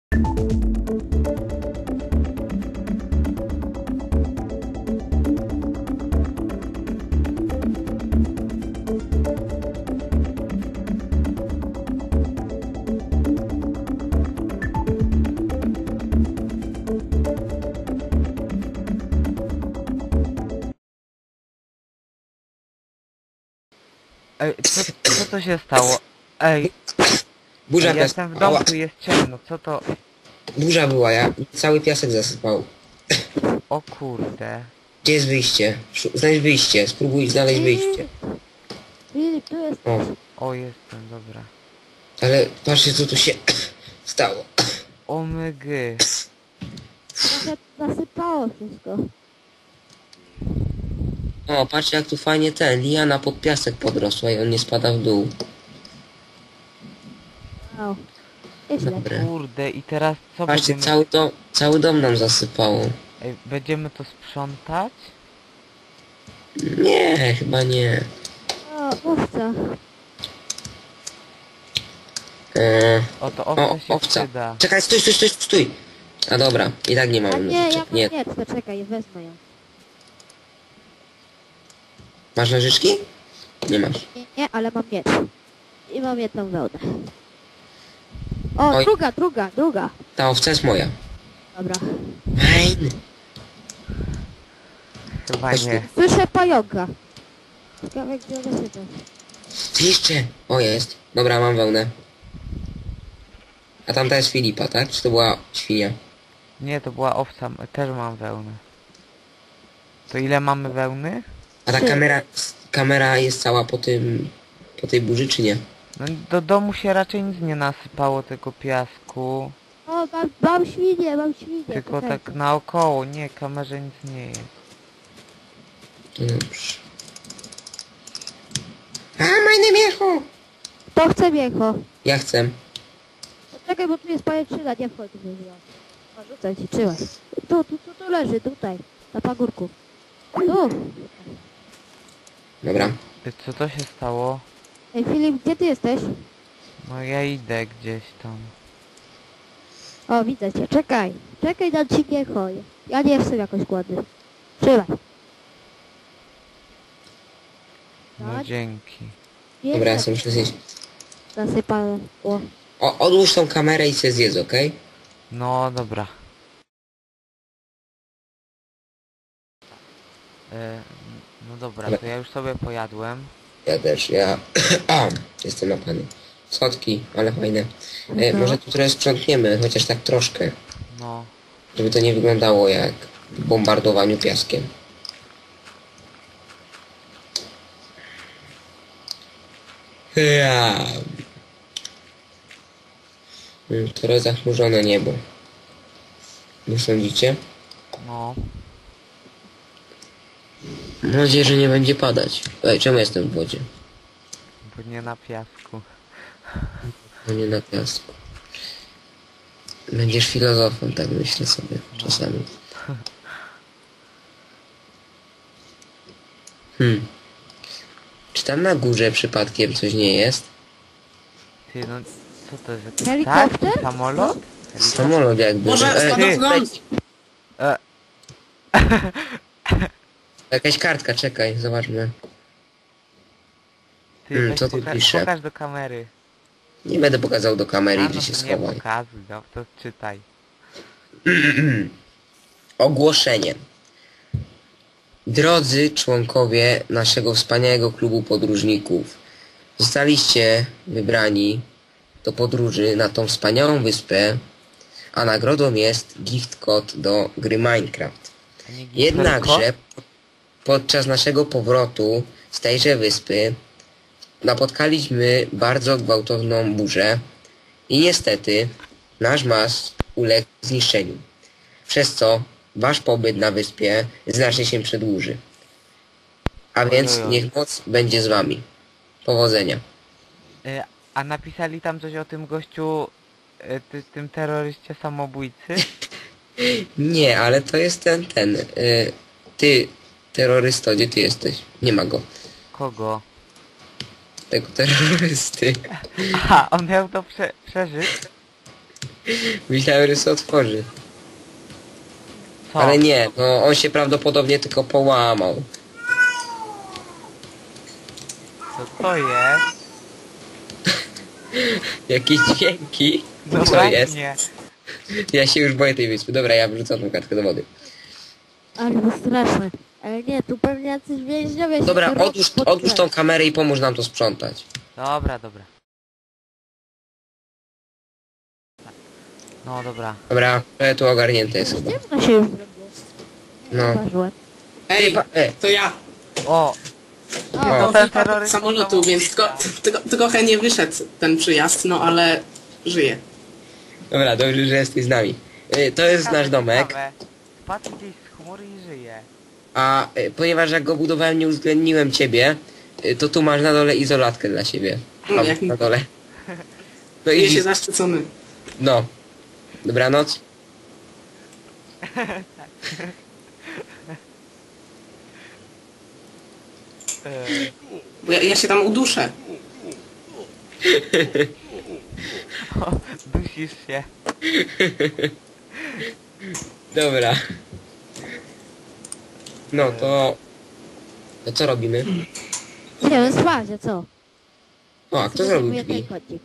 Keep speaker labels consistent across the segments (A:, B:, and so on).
A: Ej, co to się stało? Ej,
B: Burza
A: jestem w domku, jest ciemno, co to?
B: Burza była, cały piasek zasypał.
A: O kurde.
B: Gdzie jest wyjście? Znajdź wyjście, spróbuj znaleźć wyjście.
C: Filip, tu jest.
B: O,
A: O, jestem, dobra.
B: ale patrzcie co tu się stało.
A: O mygy.
C: Trochę zasypało wszystko.
B: O, patrzcie jak tu fajnie liana pod piasek podrosła i on nie spada w dół.
C: Wow. Nieźle.
B: Dobre.
A: Kurde, i teraz co
B: Patrzcie,
A: będziemy...
B: cały dom nam zasypało.
A: Ej, będziemy to sprzątać?
B: Nie, chyba nie.
C: O, owca.
A: O, to
B: O,
A: owca się
B: owca.
A: przyda.
B: Czekaj, stój. A dobra, i tak nie
C: A
B: mamy
C: nie, ja
B: nożyczek.
C: mam
B: Nie.
C: miecz, to czekaj, wezmę ją.
B: Masz nożyczki? Nie masz.
C: Nie, ale mam miecz. I mam jedną wełnę. O,
B: Oj.
C: druga.
B: Ta owca jest moja.
C: Dobra.
B: Fajny.
A: Chyba
B: Chodź tu.
A: nie.
C: Słyszę pająka. Ciekawe, gdzie on się to.
B: Jeszcze! O, jest. Dobra, mam wełnę. A tamta jest Filipa, tak? Czy to była świnia?
A: Nie, to była owca, też mam wełnę. To ile mamy wełny?
B: A ta
C: Trzy.
B: kamera jest cała po tej burzy, czy nie?
A: No do domu się raczej nic nie nasypało, tylko piasku.
C: O, mam świnię,
A: Tylko
C: czekajcie.
A: tak naokoło, nie, kamerze nic nie jest.
B: To dobrze. A, majne miecho!
C: Kto chce mięcho?
B: Ja chcę.
C: Czekaj, bo tu jest pajęczyna, nie wchodź w niego. O, rzucaj ci, trzymaj. Tu leży, tutaj. Na pagórku. Tu.
B: Dobra.
A: Co to się stało?
C: Ej, Filip, gdzie ty jesteś?
A: No ja idę gdzieś tam.
C: O, widzę cię, czekaj. Czekaj, dam ci mięcho. Ja nie jestem jakoś głodny. Trzymaj.
A: No
C: Tak?
A: dzięki.
B: Dobra, ja sobie muszę zjeść.
C: Zasypałem. O.
B: Odłóż tą kamerę i się zjedz, okej?
A: No dobra. No dobra, to ja już sobie pojadłem.
B: Ja też, jestem napany. Słodki, ale fajne.
C: No.
B: Może tu trochę sprzątniemy, chociaż tak troszkę.
A: No.
B: Żeby to nie wyglądało jak w bombardowaniu piaskiem. Ja. Trochę zachmurzone niebo. Nie sądzicie?
A: No.
B: Mam nadzieję, że nie będzie padać. Ej, czemu jestem w wodzie?
A: Bo nie na piasku.
B: A nie na piasku. Będziesz filozofem, tak myślę sobie czasami. Czy tam na górze przypadkiem coś nie jest?
A: Ty no, co to jest? Jakiś
C: Helikopter?
A: ptak? Samolot?
B: Samolot jakby.
D: Może spadochronić!
A: E,
B: Jakaś kartka, czekaj, zobaczmy.
A: ty weź
B: co tu pisze?
A: pokaż do kamery.
B: Nie będę pokazał do kamery,
A: A,
B: gdzie
A: no
B: się
A: to nie
B: schowaj.
A: pokazuj, no, to czytaj.
B: Ogłoszenie. Drodzy członkowie naszego wspaniałego klubu podróżników, zostaliście wybrani do podróży na tą wspaniałą wyspę, a nagrodą jest gift code do gry Minecraft.
A: A nie
B: Jednakże podczas naszego powrotu z tejże wyspy napotkaliśmy bardzo gwałtowną burzę i niestety nasz mast uległ zniszczeniu, przez co wasz pobyt na wyspie znacznie się przedłuży. A więc
A: Ojojoj.
B: niech moc będzie z wami. Powodzenia.
A: A napisali tam coś o tym gościu, tym terroryście samobójcy?
B: Nie, ale to jest ten. Ty, terrorysto, gdzie ty jesteś? Nie ma go.
A: Kogo?
B: Tego terrorysty.
A: Aha, on miał to przeżyć?
B: Myślałem, że się otworzy.
A: Co?
B: Ale nie, no on się prawdopodobnie tylko połamał.
A: Co jest?
B: Jakieś dźwięki?
A: No
B: Co jest?
A: właśnie.
B: Ja się już boję tej wyspy. Dobra, ja wrzucam tą kartkę do wody.
C: Ale to straszne. Ale nie, tu pewnie jacyś więźniowie się
B: Dobra,
C: tu
B: odłóż tą kamerę i pomóż nam to sprzątać.
A: Dobra. No dobra.
B: Dobra, tu ogarnięte jest chyba.
C: Ciemno się już zrobiło.
B: No.
C: Zauważyłem.
D: Ej, to ja.
A: O!
B: No.
A: No ten terrorysta
D: Samolotu, więc trochę nie wyszedł ten przyjazd, no ale żyje.
B: Dobra, dobrze, że jesteś z nami. To jest nasz domek,
A: Spadł gdzieś z chmury i żyje.
B: a ponieważ jak go budowałem nie uwzględniłem ciebie, to tu masz na dole izolatkę dla siebie. Tam,
D: Jak
B: na dole. No
D: Czuję
B: i
D: się zaszczycony.
B: no. Dobranoc.
D: Bo ja się tam uduszę.
A: O, dusisz się.
B: Dobra. No to... To co robimy?
C: Idziemy spać, a co?
B: O, a kto zrobił
C: Zajmuję
B: drzwi?
C: ten kocik.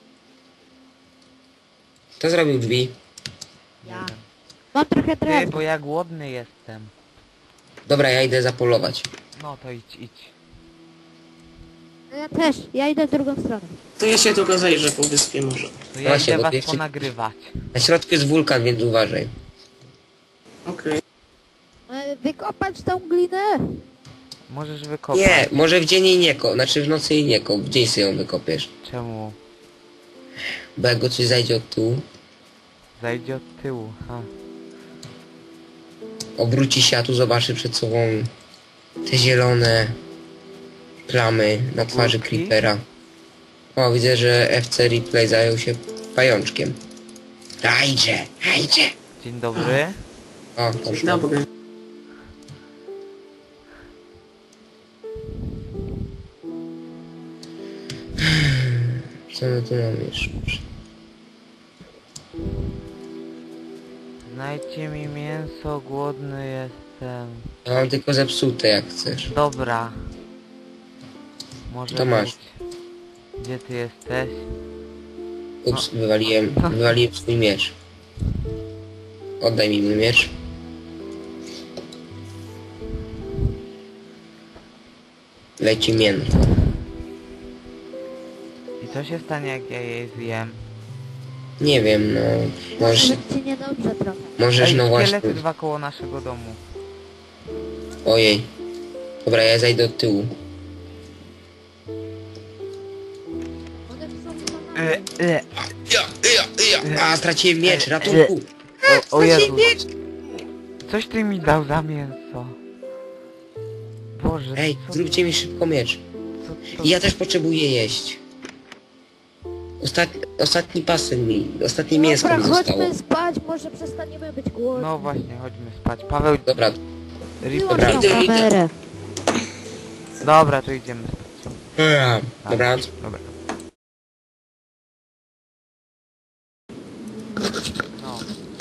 B: Kto zrobił drzwi?
C: Ja. Mam trochę
A: Ty,
C: drewna.
A: bo ja głodny jestem.
B: Dobra, ja idę zapolować.
A: No to idź.
C: Ja też. Ja idę w drugą stronę.
D: To ja się tylko zajrzę po wyspie może.
A: To ja
B: Właśnie,
A: idę
B: bo
A: was
B: ty jeszcze-
A: ponagrywać.
B: Na środku jest wulkan, więc uważaj.
D: Okej.
C: Wykopać tą glinę.
A: Możesz wykopać.
B: Nie, może w dzień jej nie kop, znaczy w nocy jej nie kop, w dzień sobie ją wykopiesz.
A: Czemu?
B: Bo jak go coś zajdzie od tyłu,
A: Zajdzie od tyłu. Ha.
B: obróci się, a tu zobaczy przed sobą te zielone plamy na twarzy
A: Kulki?
B: Creepera. O, widzę, że FC Replay zajął się pajączkiem. Hajdzie!
A: Dzień dobry.
B: O, poszło.
D: Dobry.
B: Co my tu mamy jeszcze?
A: Znajdźcie mi mięso, głodny jestem.
B: Ja mam tylko zepsute, jak chcesz.
A: Dobra. Może
B: To masz.
A: być. Gdzie ty jesteś?
B: Ups, wywaliłem swój miecz. Oddaj mi mój miecz. Leci mięto.
A: I co się stanie, jak ja jej zjem?
B: Nie wiem, no... Możesz,
C: Może ci niedobrze trochę.
B: możesz
A: Ej,
B: no właśnie...
A: szkielety dwa koło naszego domu.
B: Ojej. Dobra, ja zajdę od tyłu.
C: One są za nami.
B: A, straciłem miecz, ratunku!
A: O Jezu. Coś ty mi dał za mięso. Boże,
B: Ej,
A: co,
B: zróbcie mi szybko miecz.
A: co,
B: I ja też potrzebuję jeść. Ostatni pasem mi, ostatnie mięsko
C: Dobra,
B: mi zostało.
C: chodźmy spać, może przestaniemy być głodni.
A: No właśnie, chodźmy spać. Paweł,
B: Dobra,
C: Wyłącz
B: dobra,
C: tą
D: idę.
C: kamerę.
A: dobra, to idziemy spać.
B: dobra.
A: Dobra. No,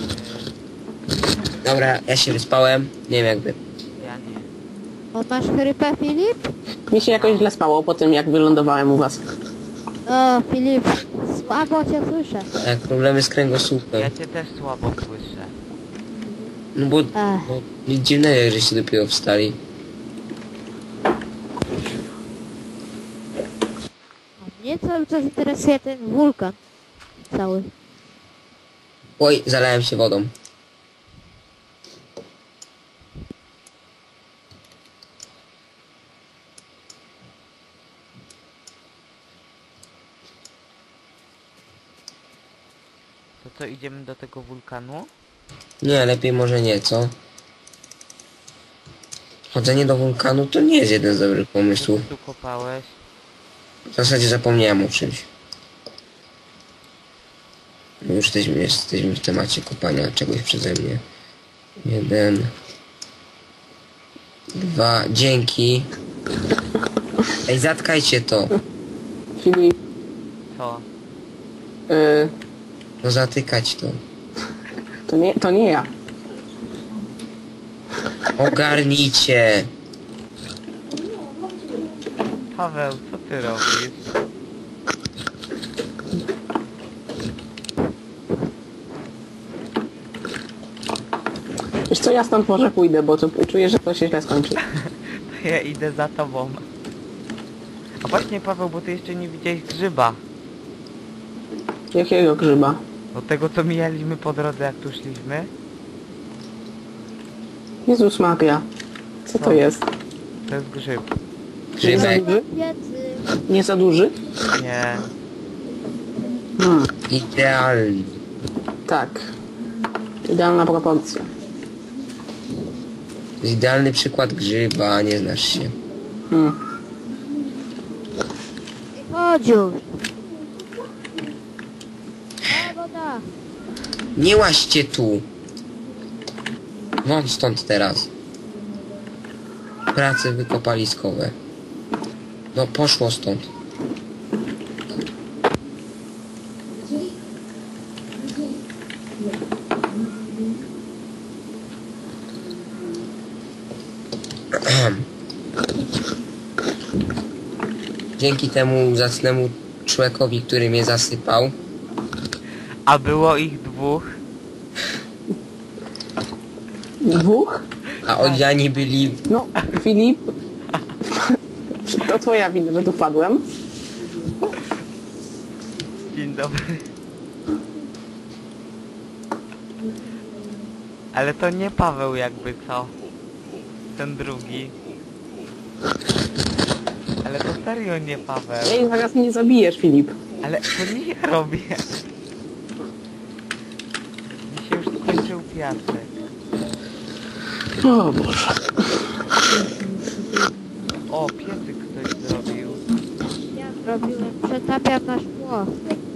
B: Dobra, ja się wyspałem. Nie wiem jakby.
A: ja nie.
C: O, masz chrypę, Filip?
D: Mi się jakoś źle spało po tym, jak wylądowałem u was.
C: O, Filip, słabo cię słyszę.
B: Tak, problemy z
A: Ja
B: kręgosłupem.
A: cię też słabo słyszę.
B: No bo nic dziwnego, że się dopiero wstali.
C: A mnie cały czas interesuje ten wulkan. Cały.
B: Oj, zalałem się wodą.
A: To co, idziemy do tego wulkanu?
B: Nie, lepiej może nie, co? Chodzenie do wulkanu to nie jest jeden z dobrych
A: Co
B: pomysłów.
A: ty tu kopałeś?
B: W zasadzie zapomniałem o czymś. No już jesteśmy w temacie kopania czegoś przeze mnie. 1, 2, dzięki. Ej, zatkajcie to.
D: Filip,
A: Co?
B: No zatykać to.
D: To nie ja.
B: Ogarnijcie.
A: Paweł, co ty robisz?
D: Wiesz co, ja stąd może pójdę, bo to czuję, że to się źle skończy.
A: To ja idę za tobą. A właśnie Paweł, bo ty jeszcze nie widziałeś grzyba.
D: Jakiego grzyba?
A: Do tego co mijaliśmy po drodze jak tu szliśmy.
D: Jezus Maria. Co to
A: Co?
D: jest?
A: To jest grzyb.
B: Grzybek.
D: Duży?
C: Piecy.
D: Nie za duży?
A: Nie.
B: Idealny.
D: Tak. Idealna proporcja.
B: To jest idealny przykład grzyba, nie znasz się.
C: Chodź już. A, woda.
B: Nie łaźcie tu. Wam stąd teraz. Prace wykopaliskowe. No poszło stąd. Dzięki temu zacnemu człowiekowi, który mnie zasypał.
A: A było ich dwóch.
D: Dwóch?
B: A odziani byli...
D: No, Filip. To twoja wina, że tu wpadłem.
A: Dzień dobry. Ale to nie Paweł jakby co? Ten drugi. Ale to serio nie Paweł.
D: Ej, zaraz mnie zabijesz, Filip.
A: Ale to nie ja robię. Mi się już skończył piasek.
D: O Boże.
A: O, piecyk ktoś zrobił.
C: Ja zrobiłem. Przetapiam na szkło.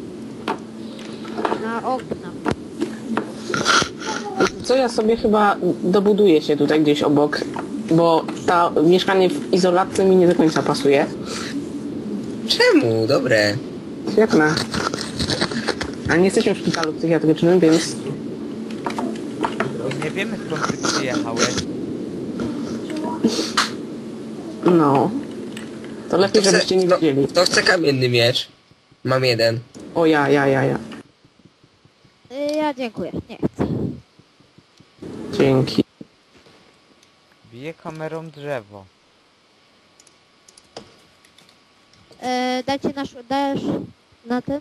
C: Na okna.
D: Co ja sobie chyba dobuduję się tutaj gdzieś obok, bo to mieszkanie w izolatce mi nie do końca pasuje.
B: Czemu? Dobre.
D: Świetne. A nie jesteśmy w szpitalu psychiatrycznym, więc
A: Nie wiemy skąd ty przyjechałeś.
D: no. To lepiej, żebyście nie wiedzieli.
B: Kto chce kamienny miecz? Mam jeden.
D: O ja.
C: Ja dziękuję. Nie chcę.
D: Dzięki.
A: Bije kamerą drzewo.
C: Dajcie dajesz na tym?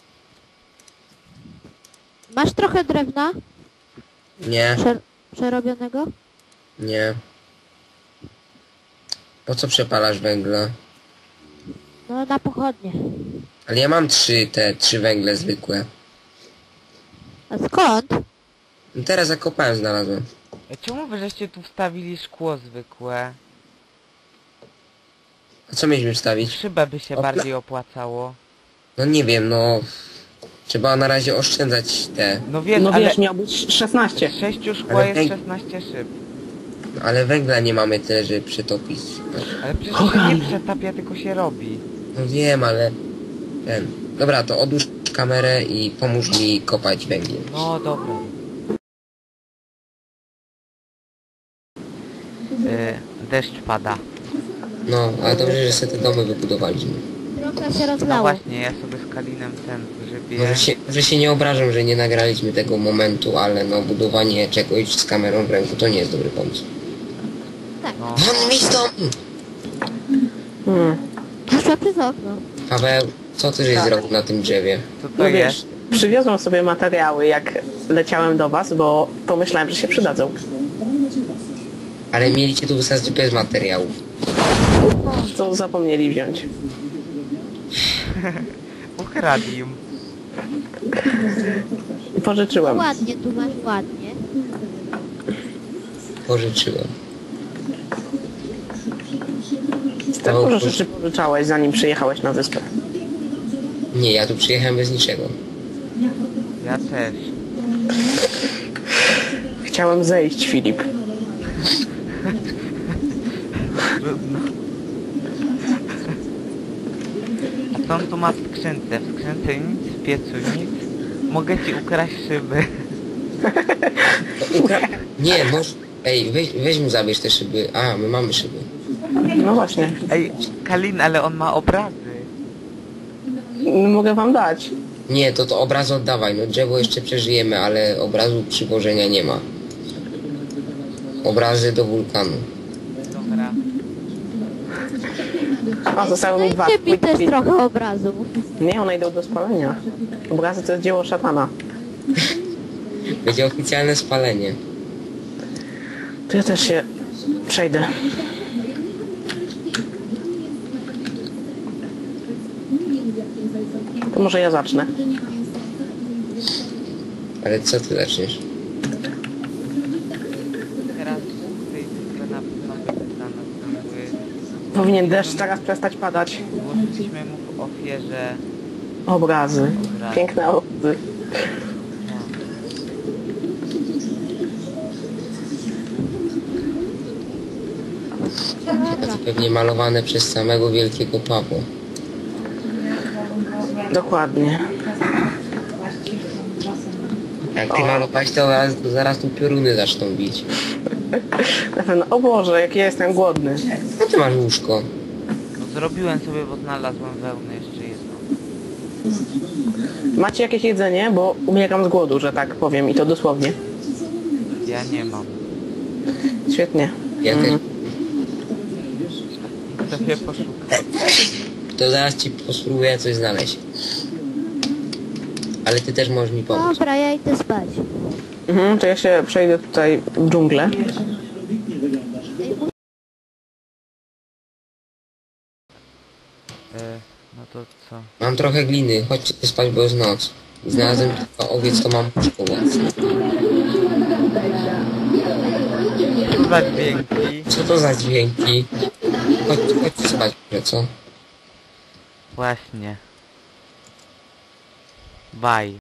C: Masz trochę drewna
B: Nie,
C: przerobionego?
B: nie. Po co przepalasz węgla?
C: No na pochodnie.
B: Ale ja mam trzy węgle zwykłe.
C: A skąd?
B: No teraz zakopałem, znalazłem.
A: Czemu wy żeście tu wstawili szkło zwykłe?
B: A co mieliśmy wstawić?
A: Szybę by się
B: Opla-
A: bardziej opłacało.
B: No nie wiem, no... Trzeba na razie oszczędzać te...
A: No wiesz,
D: No
A: ale
D: wiesz, miał być 16.
A: z 6 szkła
B: Ale
A: jest
B: ej-
A: 16 szyb.
B: Ale węgla nie mamy tyle, żeby przetopić.
A: Ale przecież się nie przetapia, tylko się robi.
B: No wiem, ale... Ten... Dobra, to odłóż kamerę i pomóż mi kopać węgiel.
A: No dobra. Deszcz pada.
B: No, ale dobrze, że sobie te domy wybudowaliśmy.
C: Trochę się
A: No
C: rozlało.
A: właśnie, ja sobie z Kalinem ten grzybię.
B: Może się nie obrażam, że nie nagraliśmy tego momentu, ale no budowanie czegoś z kamerą w ręku to nie jest dobry pomysł.
A: No,
B: Won mi z domu!
C: Poszła przez okno.
B: Paweł, co ty żeś
D: Tak.
B: zrobił na tym drzewie?
A: co to
D: No
A: jest?
D: wiesz, przywiozłem sobie materiały, jak leciałem do was, bo pomyślałem, że się przydadzą.
B: Ale mieliście tu wysadzić bez materiałów.
D: Co zapomnieli wziąć.
A: Ukradł im.
D: Pożyczyłem.
C: Ładnie, tu masz ładnie.
B: Pożyczyłem.
D: Tak dużo rzeczy pożyczałeś, zanim przyjechałeś na wyspę.
B: Nie, ja tu przyjechałem bez niczego.
A: Ja też.
D: Chciałem zejść, Filip.
A: Trudno. A co on tu ma w skrzynce? W skrzynce nic, w piecu nic. Mogę ci ukraść szyby.
B: Nie, może... Ej, weź mu zabierz te szyby. A, my mamy szyby.
D: No właśnie.
A: Ej, Kalin, ale on ma obrazy.
D: Mogę wam dać.
B: Nie, to obraz oddawaj. No drzewo jeszcze przeżyjemy, ale obrazu przywożenia nie ma. Obrazy do wulkanu.
A: Dobra.
D: O, zostały mi dwa.
C: Dajcie mi też trochę obrazów.
D: Nie, one idą do spalenia. Obrazy to jest dzieło szatana.
B: Będzie oficjalne spalenie.
D: To ja też się przejdę. To może ja zacznę.
B: Ale co ty zaczniesz?
A: Teraz w tej bitwie na pewno będzie dla nas ciągły.
D: Powinien deszcz zaraz przestać padać.
A: Złożyliśmy mu w ofierze...
D: Obrazy. Piękne obrazy.
C: Dobra.
B: Pewnie malowane przez samego wielkiego Pawła.
D: Dokładnie.
B: Jak ty malowałeś, to zaraz tu pioruny zaczną bić.
D: Na pewno. O Boże, jak ja jestem głodny.
B: No ty masz łóżko.
A: No, zrobiłem sobie, bo znalazłem wełnę jeszcze jedną.
D: Macie jakieś jedzenie? Bo umieram z głodu, że tak powiem. I to dosłownie.
A: Ja nie mam.
D: Świetnie.
B: Ja też.
A: Sobie poszukam.
B: To zaraz ci spróbuję coś znaleźć. Ale ty też możesz mi pomóc.
C: Dobra, ja idę spać.
D: To ja się przejdę tutaj w dżunglę.
A: No to co?
B: Mam trochę gliny, chodźcie spać, bo jest noc. I znalazłem tylko owiec, to mam łóżko własne.
A: Co za dźwięki?
B: Co to za dźwięki? Chodźcie spać, może co?
A: Właśnie. Bye.